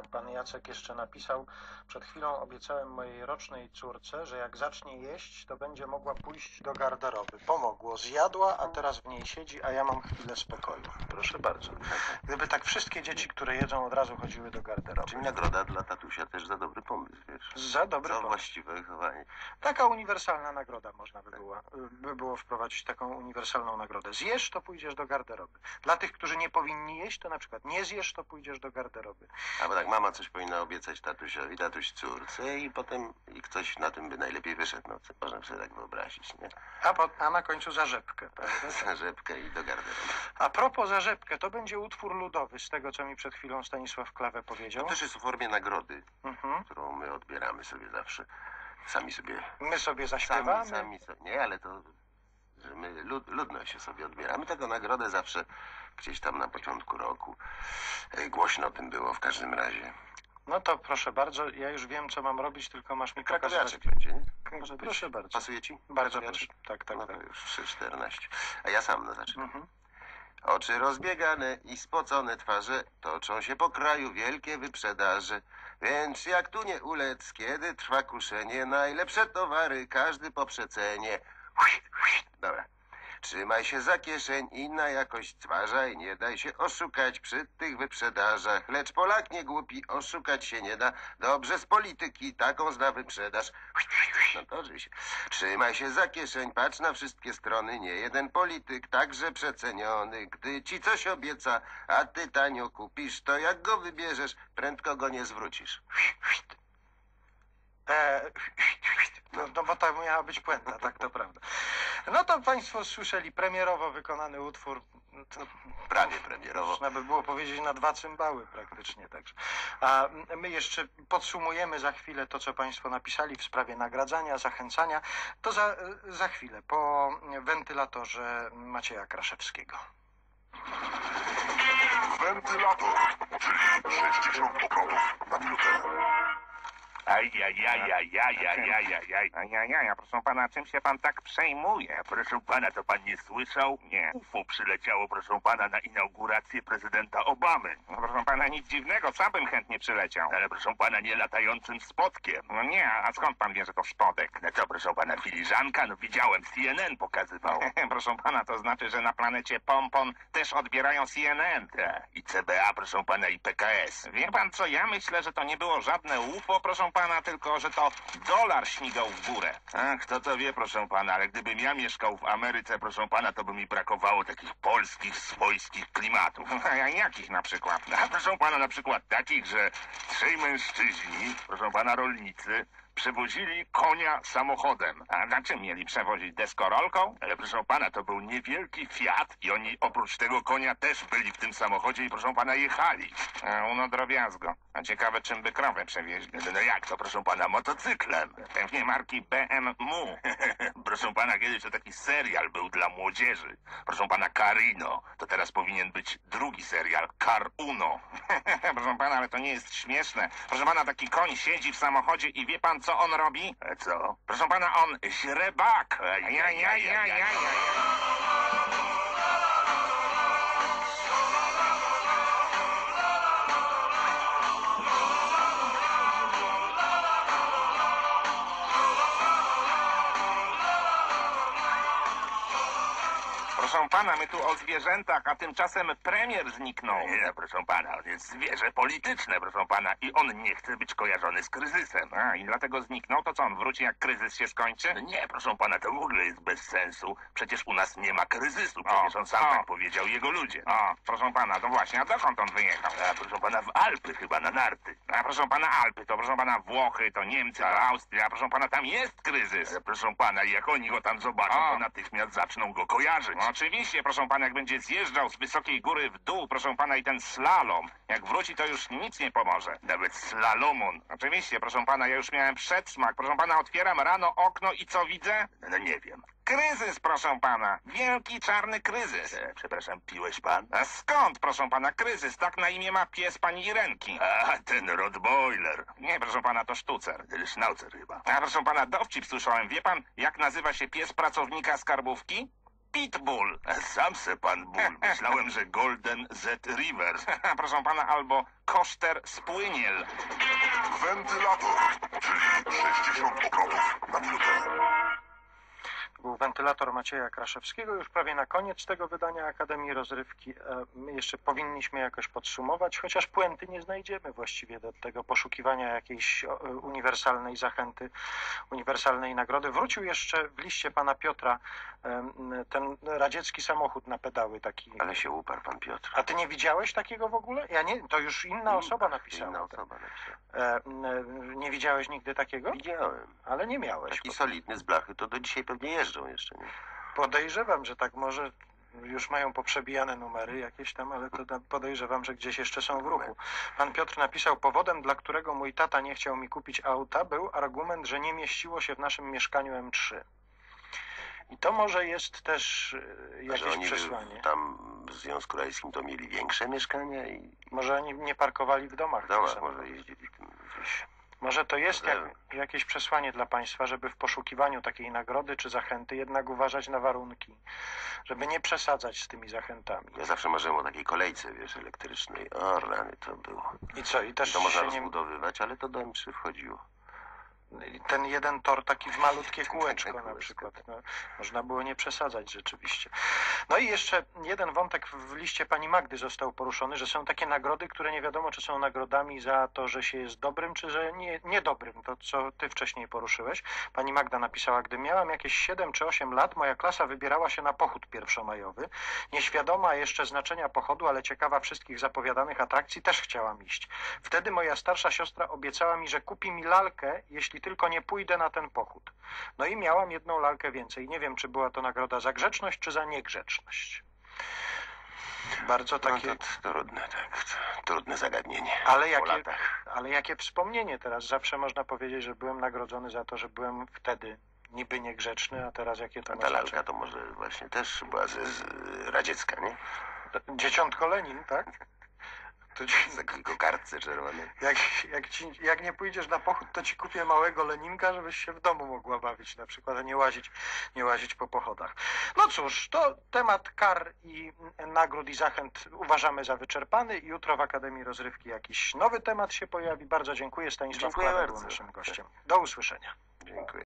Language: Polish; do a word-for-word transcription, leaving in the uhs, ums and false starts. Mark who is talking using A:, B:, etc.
A: pan Jacek jeszcze napisał: przed chwilą obiecałem mojej rocznej córce, że jak zacznie jeść, to będzie mogła pójść do garderoby. Pomogło, zjadła, a teraz w niej siedzi, a ja mam chwilę spokoju. Proszę bardzo. Gdyby tak wszystkie dzieci, które jedzą, od razu chodziły do garderoby.
B: Czyli nagroda dla tatusia też za dobry pomysł, wiesz?
A: Za dobry
B: za
A: pomysł.
B: właściwe wychowanie.
A: Taka uniwersalna nagroda można by było, by było wprowadzić, taką uniwersalną nagrodę. Zjesz, to pójdziesz do garderoby. Dla tych, którzy nie powinni jeść, to na przykład nie zjesz, to pójdziesz do garderoby.
B: A bo tak mama coś powinna obiecać tatusiowi, tatuś córce i potem i ktoś na tym by najlepiej wyszedł. No, co można sobie tak wyobrazić, nie?
A: A, po, a na końcu zarzepkę, prawda?
B: Za rzepkę i do garderoby.
A: A propos zarzepkę, to będzie utwór ludowy, z tego, co mi przed chwilą Stanisław Klawę powiedział.
B: To też jest w formie nagrody,
A: Mhm.
B: którą my odbieramy sobie zawsze. Sami sobie...
A: My sobie zaśpiewamy.
B: Sami, sami sobie... Nie, ale to... że my lud, ludność sobie odbieramy. Taką nagrodę zawsze gdzieś tam na początku roku. E, Głośno o tym było w każdym razie.
A: No to proszę bardzo, ja już wiem, co mam robić, tylko masz mi pokazać.
B: Krakowiaczek będzie, nie? Może być.
A: Proszę bardzo.
B: Pasuje ci?
A: Bardzo
B: Krakowiaczek?
A: proszę. Tak, tak,
B: No to
A: tak.
B: już trzy czternaście. A ja sam no zaczynam.
A: Mhm.
B: Oczy rozbiegane i spocone twarze toczą się po kraju wielkie wyprzedaże. Więc jak tu nie ulec, kiedy trwa kuszenie, najlepsze towary każdy po przecenie. Dobra. Trzymaj się za kieszeń i na jakość zważaj, nie daj się oszukać przy tych wyprzedażach. Lecz Polak nie głupi, oszukać się nie da. Dobrze z polityki taką zna wyprzedaż. No to oczywiście. Trzymaj się za kieszeń, patrz na wszystkie strony. Nie jeden polityk, także przeceniony. Gdy ci coś obieca, a ty tanio kupisz, to jak go wybierzesz, prędko go nie zwrócisz.
A: E, no, no bo to miała być puenta, tak to prawda. No to państwo słyszeli premierowo wykonany utwór.
B: No, prawie premierowo.
A: Można by było powiedzieć na dwa cymbały praktycznie. Także. A my jeszcze podsumujemy za chwilę to, co państwo napisali w sprawie nagradzania, zachęcania. To za, za chwilę, po wentylatorze Macieja Kraszewskiego.
C: Wentylator, czyli sześćdziesiąt obrotów na minutę.
D: Ajajajajajajajajaj. Ajajaj, proszę pana, czym się pan tak przejmuje? Proszę pana, to pan nie słyszał? Nie. U F O przyleciało, proszę pana, na inaugurację prezydenta Obamy. No, proszę pana, nic dziwnego, sam bym chętnie przyleciał. Ale proszę pana, nie latającym spodkiem. No nie, a skąd pan wie, że to spodek? No co, proszę pana, filiżanka? No widziałem, C N N pokazywał. Proszę pana, to znaczy, że na planecie Pompon też odbierają C N N. Tak, i C B A, proszę pana, i P K S. Wie pan co, ja myślę, że to nie było żadne U F O, proszę pana, tylko że to dolar śmigał w górę. Ach, kto to wie, proszę pana, ale gdybym ja mieszkał w Ameryce, proszę pana, to by mi brakowało takich polskich, swojskich klimatów. A jakich na przykład? A proszę pana, na przykład takich, że trzej mężczyźni, proszę pana, rolnicy, przewozili konia samochodem. A na czym mieli przewozić? Deskorolką? Ale proszę pana, to był niewielki Fiat i oni oprócz tego konia też byli w tym samochodzie i proszę pana jechali. A, no drobiazgo. A ciekawe, czym by krowę przewieźli. No, no jak to, proszę pana, motocyklem? Pewnie marki B M W. Proszę pana, kiedyś to taki serial był dla młodzieży. Proszę pana, Carino. To teraz powinien być drugi serial, Car Uno. Proszę pana, ale to nie jest śmieszne. Proszę pana, taki koń siedzi w samochodzie i wie pan, co on robi? E, co? Proszę pana, on źrebak. Ja, ja, ja, ja, ja, ja. Proszę pana, my tu o zwierzętach, a tymczasem premier zniknął. Nie, proszę pana, on jest zwierzę polityczne, proszę pana, i on nie chce być kojarzony z kryzysem. A, i dlatego zniknął? To co, on wróci, jak kryzys się skończy? No nie, proszę pana, to w ogóle jest bez sensu. Przecież u nas nie ma kryzysu, przecież on sam
E: o.
D: tak powiedział, jego ludzie.
E: O, proszę pana, to właśnie, a dokąd on wyjechał?
D: A proszę pana, w Alpy chyba, na narty.
E: A proszę pana, Alpy, to proszę pana Włochy, to Niemcy, to Austria, proszę pana, tam jest kryzys.
D: Ale proszę pana, jak oni go tam zobaczą,
E: O.
D: to natychmiast zaczną go kojarzyć.
E: No, oczywiście, proszę pana, jak będzie zjeżdżał z wysokiej góry w dół, proszę pana, i ten slalom, jak wróci, to już nic nie pomoże.
D: Nawet slalomon.
E: Oczywiście, proszę pana, ja już miałem przedsmak. Proszę pana, otwieram rano okno i co widzę?
D: No nie wiem.
E: Kryzys, proszę pana. Wielki, czarny kryzys.
D: E, przepraszam, piłeś pan?
E: A skąd, proszę pana, kryzys? Tak na imię ma pies pani Irenki.
D: A, ten Rottweiler.
E: Nie, proszę pana, to sztucer.
D: Ten Schnauzer chyba.
E: A proszę pana, dowcip słyszałem. Wie pan, jak nazywa się pies pracownika skarbówki?
D: Pitbull. Sam se pan ból. Myślałem, że Golden Z Rivers. Proszę pana, albo Koszter Spłyniel.
C: Wentylator, czyli sześćdziesiąt obrotów na minutę.
A: Był wentylator Macieja Kraszewskiego. Już prawie na koniec tego wydania Akademii Rozrywki. E, My jeszcze powinniśmy jakoś podsumować, chociaż puenty nie znajdziemy właściwie do tego poszukiwania jakiejś o, uniwersalnej zachęty, uniwersalnej nagrody. Wrócił jeszcze w liście pana Piotra em, ten radziecki samochód na pedały taki.
B: Ale się uparł pan Piotr.
A: A ty nie widziałeś takiego w ogóle? Ja nie, to już inna osoba napisała.
B: Inna osoba napisała.
A: E, m, nie widziałeś nigdy takiego?
B: Widziałem.
A: Ale nie miałeś.
B: Taki solidny z blachy, to do dzisiaj pewnie jeżdżą jeszcze, nie?
A: Podejrzewam, że tak może już mają poprzebijane numery jakieś tam, ale to da- podejrzewam, że gdzieś jeszcze są w ruchu. Pan Piotr napisał, powodem, dla którego mój tata nie chciał mi kupić auta, był argument, że nie mieściło się w naszym mieszkaniu M trzy. I to może jest też e,
B: Że
A: jakieś
B: oni
A: przesłanie.
B: tam w Związku Radzieckim to mieli większe mieszkania i
A: Może oni nie parkowali w domach.
B: w
A: tych
B: domach
A: samochodów.
B: może jeździli tym gdzieś.
A: Może to jest jak,
B: Może-
A: jakieś przesłanie dla państwa, żeby w poszukiwaniu takiej nagrody czy zachęty jednak uważać na warunki, żeby nie przesadzać z tymi zachętami.
B: Ja zawsze marzyłem o takiej kolejce, wiesz, elektrycznej. O, rany to było.
A: I co? I też
B: To można
A: się nie...
B: rozbudowywać, ale to do M trzy wchodziło.
A: Ten jeden tor taki w malutkie kółeczko na
B: kółeczko,
A: przykład.
B: tak.
A: No, można było nie przesadzać rzeczywiście. No i jeszcze jeden wątek w liście pani Magdy został poruszony, że są takie nagrody, które nie wiadomo, czy są nagrodami za to, że się jest dobrym, czy że nie, niedobrym. To, co ty wcześniej poruszyłeś. Pani Magda napisała, gdy miałam jakieś siedem czy osiem lat, moja klasa wybierała się na pochód pierwszomajowy. Nieświadoma jeszcze znaczenia pochodu, ale ciekawa wszystkich zapowiadanych atrakcji, też chciałam iść. Wtedy moja starsza siostra obiecała mi, że kupi mi lalkę, jeśli tylko nie pójdę na ten pochód. No i miałam jedną lalkę więcej. Nie wiem, czy była to nagroda za grzeczność, czy za niegrzeczność. Bardzo takie...
B: No to trudne, tak. Trudne zagadnienie.
A: Ale
B: Po
A: jakie,
B: latach.
A: ale jakie wspomnienie teraz. Zawsze można powiedzieć, że byłem nagrodzony za to, że byłem wtedy niby niegrzeczny, a teraz jakie to
B: A
A: ma
B: ta lalka
A: znaczenie?
B: to może właśnie też była z, z radziecka, nie?
A: Dzieciątko Lenin, tak? To ci,
B: Z takiej kokardce czerwonej.
A: jak, jak, ci, jak nie pójdziesz na pochód, to ci kupię małego Leninka, żebyś się w domu mogła bawić na przykład, a nie łazić, nie łazić po pochodach. No cóż, to temat kar i nagród i zachęt uważamy za wyczerpany. Jutro w Akademii Rozrywki jakiś nowy temat się pojawi. Bardzo dziękuję. Stanisław
B: Dziękuję
A: Kłada był
B: bardzo.
A: naszym gościem. Do usłyszenia.
B: Dziękuję.